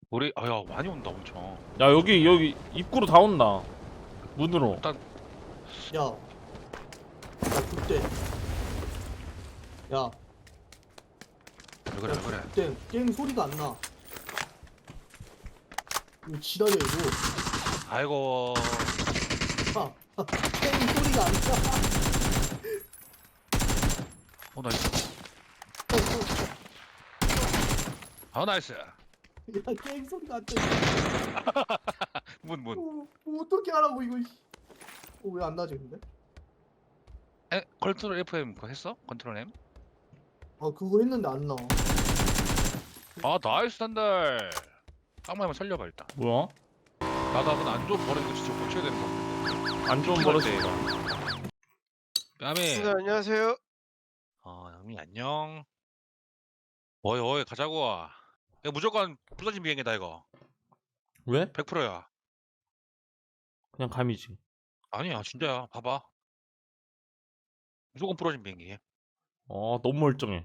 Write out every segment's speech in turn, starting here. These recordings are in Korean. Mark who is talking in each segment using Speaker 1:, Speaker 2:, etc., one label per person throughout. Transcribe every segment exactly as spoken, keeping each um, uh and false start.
Speaker 1: 우리 아야 많이 온다 엄청.
Speaker 2: 야 여기 여기 입구로 다 온다. 문으로.
Speaker 1: 일단
Speaker 3: 야, 야 그때, 야,
Speaker 1: 왜 그래 왜 그래.
Speaker 3: 그때 게임 소리가 안 나. 이거 지랄이야 이거.
Speaker 1: 아이고
Speaker 3: 야, 게임 소리가 안 나.
Speaker 1: 어 나이스. 아 나이스.
Speaker 3: 야, 게임 소리가 안 나.
Speaker 1: 문 문.
Speaker 3: 어, 어떻게 하라고 이거. 어, 왜 안 나지 근데?
Speaker 1: 에 컨트롤 에프엠 그거 했어? 컨트롤 M?
Speaker 3: 아 그거 했는데 안 나.
Speaker 1: 아 나이스 단달. 깡마이만 살려봐 일단.
Speaker 2: 뭐야?
Speaker 1: 나도 한번 안 좋은 버리는 거 진짜 고쳐야 되는 거.
Speaker 2: 안 좋은 버릇이.
Speaker 1: 뺨이.
Speaker 4: 네, 안녕하세요.
Speaker 1: 어 영미 안녕. 어이 어이 가자고. 이거 무조건 부서진 비행기다 이거.
Speaker 2: 왜?
Speaker 1: 백 퍼센트야.
Speaker 2: 그냥 감이지.
Speaker 1: 아니야 진짜야. 봐봐. 무조건 부러진 비행기.
Speaker 2: 어 너무 멀쩡해.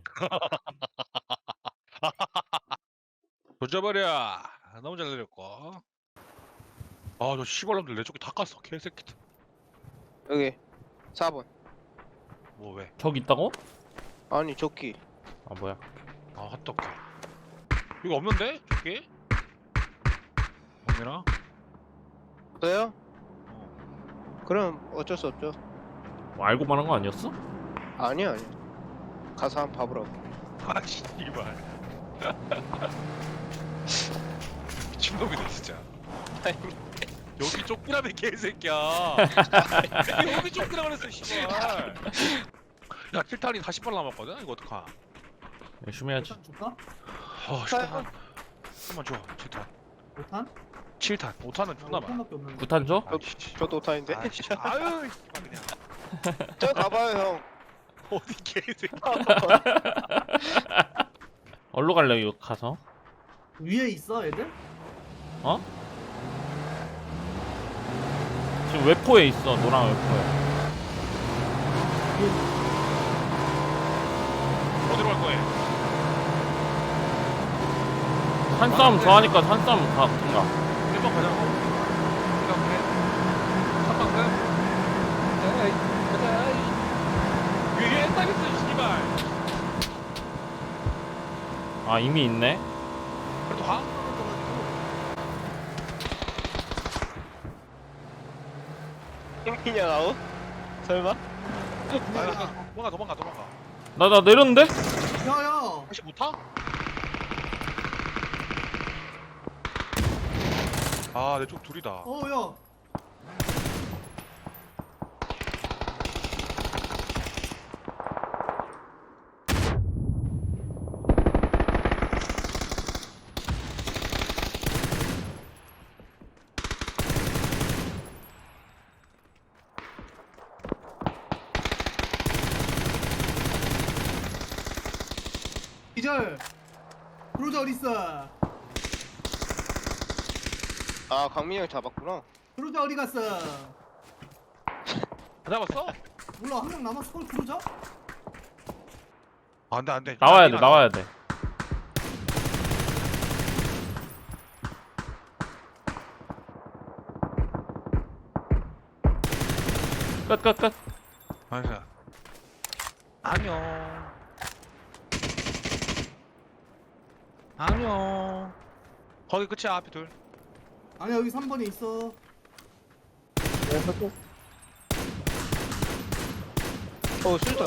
Speaker 1: 조져버려. 너무 잘 내렸고. 아저 시발놈들 내 쪽에 다 깠어 개새끼들.
Speaker 4: 여기 사 번.
Speaker 1: 뭐 왜?
Speaker 2: 저기 있다고?
Speaker 4: 아니 조끼.
Speaker 2: 아 뭐야?
Speaker 1: 아 핫도그. 이거 없는데? 저기? 영민아?
Speaker 4: 없어요?
Speaker 1: 어.
Speaker 4: 그럼 어쩔 수 없죠.
Speaker 2: 뭐 알고만 한 거 아니었어?
Speaker 4: 아니야 아니야. 가서 한번 봐보라고.
Speaker 1: 아 씨발. 미친놈이다 진짜. 여기 쫓기라며 개새끼야. 여기 쫓기라 그랬어 씨발. 야 킬탄이 사십 발 남았거든? 이거 어떡하?
Speaker 2: 열심히 해야지.
Speaker 3: 일단 줄까?
Speaker 1: 어 칠탄 한번 줘. 칠탄
Speaker 3: 오탄?
Speaker 1: 칠탄 오탄은 존나 많아.
Speaker 3: 오탄밖에 없는데.
Speaker 2: 구탄 줘?
Speaker 4: 저, 저도 오타인데.
Speaker 1: 아유 씨발, 그냥
Speaker 4: 저 가봐요 형.
Speaker 1: 어디 개새끼.
Speaker 2: 어디로 갈래 이거 가서?
Speaker 3: 위에 있어 애들?
Speaker 2: 어? 지금 웨포에 있어. 노랑 웨포에.
Speaker 1: 어디로 갈 거야?
Speaker 2: 산싸움 좋아하니까 산싸움 가든가.
Speaker 1: 일 번 가자고. 생각해. 삼 번 끝. 에이, 가자. 에이. 위에 옛날 있어, 씨발.
Speaker 2: 아 이미 있네.
Speaker 1: 그래도 가.
Speaker 4: 힘이냐 나오? 설마?
Speaker 1: 아, 도망가, 도망가, 도망가.
Speaker 2: 나 나 내렸는데?
Speaker 3: 야야.
Speaker 1: 혹시 못 타? 아, 내 쪽 둘이다.
Speaker 3: 어 야. 기절. 브로저 어딨어?
Speaker 4: 아 강민이 형 잡았구나.
Speaker 3: 브로저 어디 갔어?
Speaker 1: 안 잡았어?
Speaker 3: 몰라 한 명 남았어. 헐 브로저?
Speaker 1: 아, 안 돼, 안 돼.
Speaker 2: 나와야 돼.
Speaker 1: 안
Speaker 2: 나와야 돼. 끝 끝 끝.
Speaker 1: 알았어. 안녕. 안녕. 거기 끝이야, 앞에 둘.
Speaker 3: 아니야 여기 삼 번에 있어.
Speaker 4: 어 술다.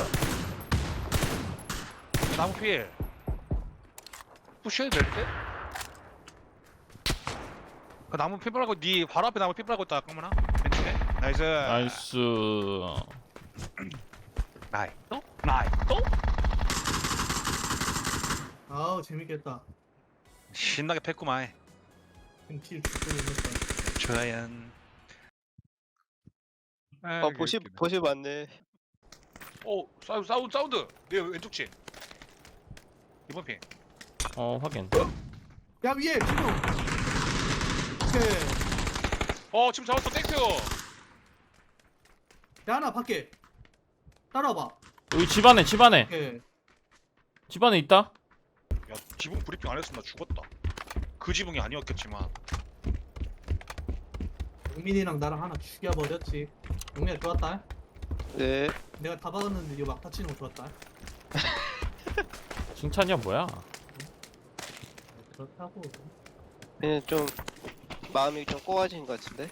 Speaker 1: 나무 필. 푸시해도 될 때? 그 나무 필 빨고 니 바로 앞에 나무 필 빨고 있다, 깡만아. 왼쪽에. 나이스.
Speaker 2: 나이스.
Speaker 1: 나이. 또? 나이. 또?
Speaker 3: 아우 재밌겠다.
Speaker 1: 신나게 팼구만.
Speaker 3: 딜 죽고 있겠다.
Speaker 1: 조연.
Speaker 4: 어 보시 보시 맞네.
Speaker 1: 오 사운드 사운드 사운드. 내 왼쪽 집. 이번 핑.
Speaker 2: 어 확인.
Speaker 3: 야 위에 지금. 오케이.
Speaker 1: 어 지금 잡았어 땡큐.
Speaker 3: 야 하나 밖에. 따라와봐.
Speaker 2: 여기 집 안에 집 안에
Speaker 3: 오케이.
Speaker 2: 집 안에 있다.
Speaker 1: 야 지붕 브리핑 안 했으면 나 죽었다. 그 지붕이 아니었겠지만.
Speaker 3: 용민이랑 나랑 하나 죽여버렸지. 용민아 좋았다.
Speaker 4: 네.
Speaker 3: 내가 다 박았는데 이거 막 다치는 거 좋았다.
Speaker 2: 칭찬이야 뭐야?
Speaker 3: 그렇다고.
Speaker 4: 그냥 좀 마음이 좀 꼬아진 것 같은데.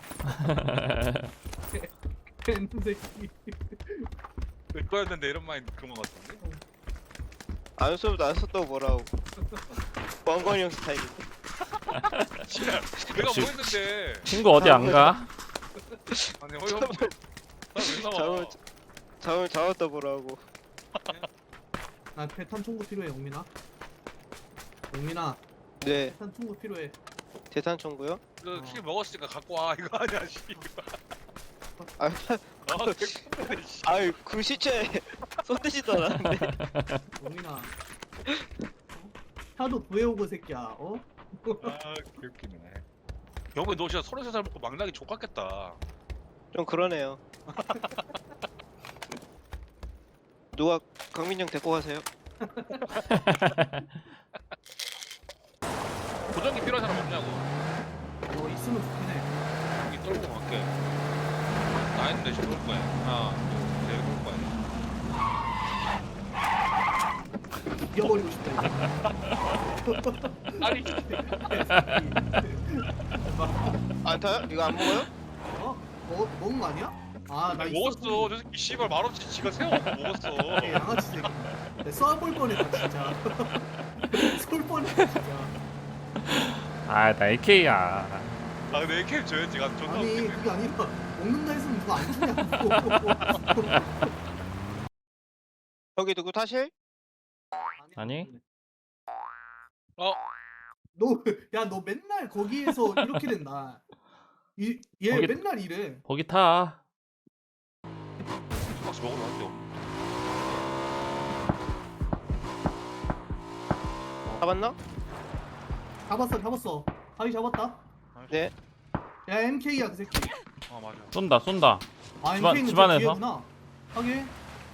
Speaker 3: 큰 새끼.
Speaker 1: 내 거였는데 이런 마인 그만 같은데.
Speaker 4: 안 써도 안 썼다고 뭐라고. 왕건이 형 스타일인데.
Speaker 1: 씨발, 내가
Speaker 2: 역시-
Speaker 1: 뭐 했는데.
Speaker 2: 친구 어디 안 가?
Speaker 1: 아니 어이없. 나왜 나와?
Speaker 4: 잠을 잠을 잡았다 뭐라고.
Speaker 3: 나 대탄 총구 필요해 용민아. 용민아
Speaker 4: 네.
Speaker 3: 대탄 총구 필요해.
Speaker 4: 대탄 청구요?
Speaker 1: 그킬 먹었으니까 갖고 와 이거 아니야 씨발.
Speaker 4: 아,
Speaker 1: 아 개꿀이네 씨.
Speaker 4: 아유 그 시체에 쏟지도 않았는데.
Speaker 3: 용민아. 어? 하도 구해오고 새끼야. 어?
Speaker 1: 아 개웃기네. 영배 너 진짜 서른세 살 먹고 망나기 족같겠다.
Speaker 4: 좀 그러네요. 누가 강민이 형 데리고 가세요?
Speaker 1: 보정기 필요한 사람 없냐고.
Speaker 3: 어 있으면 좋긴 해.
Speaker 1: 여기 떨고 갈게. 나 있는데 지금 올 거야. 하나, 둘, 셋, 올 거야.
Speaker 3: 죽여버리고 싶다.
Speaker 1: 아니
Speaker 4: 안 타요? 이거 안 먹어요?
Speaker 3: 어? 먹 먹은 거 아니야? 아나
Speaker 1: 아니, 먹었어. 저 새끼 씨발 말없이 지가 세워갖고 먹었어.
Speaker 3: 양아치 새끼. 내 쏴볼 뻔했다 진짜. 쏠 뻔했다 진짜.
Speaker 2: 아 나 에이케이야.
Speaker 1: 아 근데 에이케이 줘야지. 나 존나
Speaker 3: 아니
Speaker 1: 웃기네.
Speaker 3: 그게 아니라 먹는다 했으면 누가 안 주냐고.
Speaker 4: 여기 누구 타실?
Speaker 2: 아니?
Speaker 1: 어?
Speaker 3: 너야 너 맨날 거기에서 이렇게 된다. 이, 얘
Speaker 2: 거기-
Speaker 3: 맨날 이래.
Speaker 2: 거기 타.
Speaker 1: 박스 먹으러 왔대.
Speaker 4: 잡았나?
Speaker 3: 잡았어 잡았어. 바위 잡았다.
Speaker 4: 네.
Speaker 3: 야 엠케이야 그 새끼.
Speaker 1: 아 맞아.
Speaker 2: 쏜다 쏜다.
Speaker 3: 아
Speaker 2: 집안-
Speaker 3: 엠케이는
Speaker 2: 집안에서?
Speaker 3: 저 뒤에구나. 하게.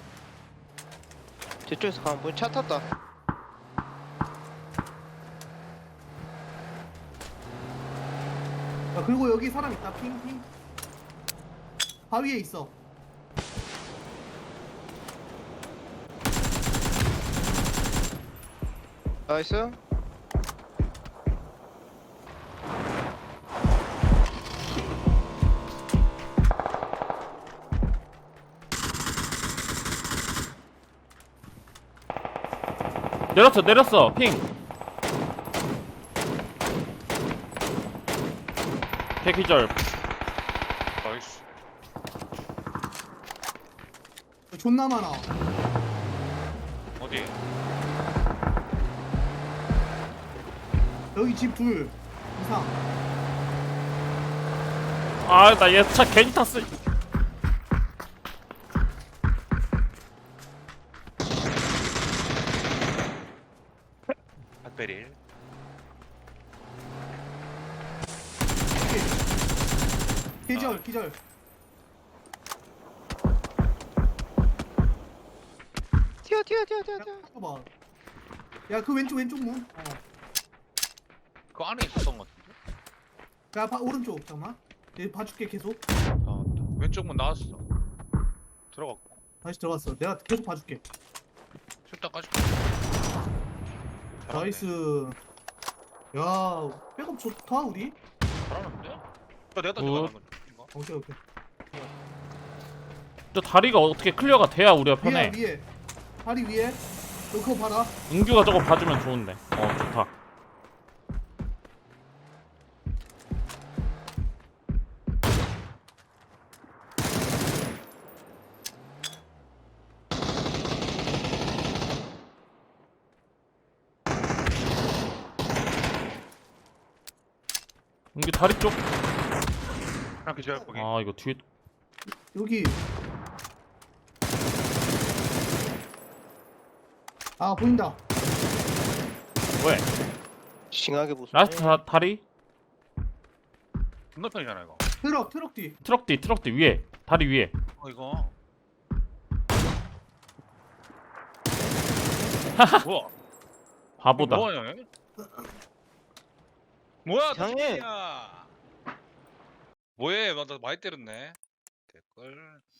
Speaker 4: 제 쪽에서 가면 뭐차 탔다.
Speaker 3: 야 그리고 여기 사람 있다. 핑핑. 바위에 있어.
Speaker 4: 나이스.
Speaker 2: 내렸어 내렸어 핑. 개기절.
Speaker 1: 나이스.
Speaker 3: 존나 많아.
Speaker 1: 어디?
Speaker 3: 여기 집 둘 이상.
Speaker 2: 아 나 얘 차 괜히 탔어.
Speaker 1: 핫베릴.
Speaker 3: 기절 기절.
Speaker 4: 튀어 튀어 튀어 튀어 튀어.
Speaker 3: 봐. 야 그 왼쪽 왼쪽 문. 어.
Speaker 1: 그 안에 있었던 것 같은데?
Speaker 3: 야 봐, 오른쪽 잠깐만. 얘 봐줄게 계속.
Speaker 1: 아 왼쪽 문 나왔어. 들어갔고.
Speaker 3: 다시 들어갔어. 내가 계속 봐줄게.
Speaker 1: 실딱 까줄게.
Speaker 3: 나이스. 야 백업 좋다 우리.
Speaker 1: 잘하는데? 야, 내가 다
Speaker 2: 굿.
Speaker 1: 들어가는 건데. 이거?
Speaker 3: 오케이 오케이.
Speaker 2: 저 다리가 어떻게 클리어가 돼야 우리가
Speaker 3: 위에
Speaker 2: 편해.
Speaker 3: 위에. 다리 위에. 너 그거 봐라.
Speaker 2: 은규가 저거 봐주면 좋은데. 어 좋다. 은규 다리 쪽.
Speaker 1: 그냥 기절 거기.
Speaker 2: 아 이거 뒤에
Speaker 3: 여기. 아 보인다.
Speaker 2: 왜?
Speaker 4: 싱하게 보소.
Speaker 2: 라스트 다, 다리?
Speaker 1: 건너편이잖아 이거.
Speaker 3: 트럭 트럭 뒤.
Speaker 2: 트럭 뒤 트럭 뒤 위에 다리 위에.
Speaker 1: 어 이거. 뭐야?
Speaker 2: 바보다.
Speaker 1: 뭐하냐? 얘? 뭐야
Speaker 4: 이상해.
Speaker 1: 야 뭐해 나 많이 때렸네. 댓글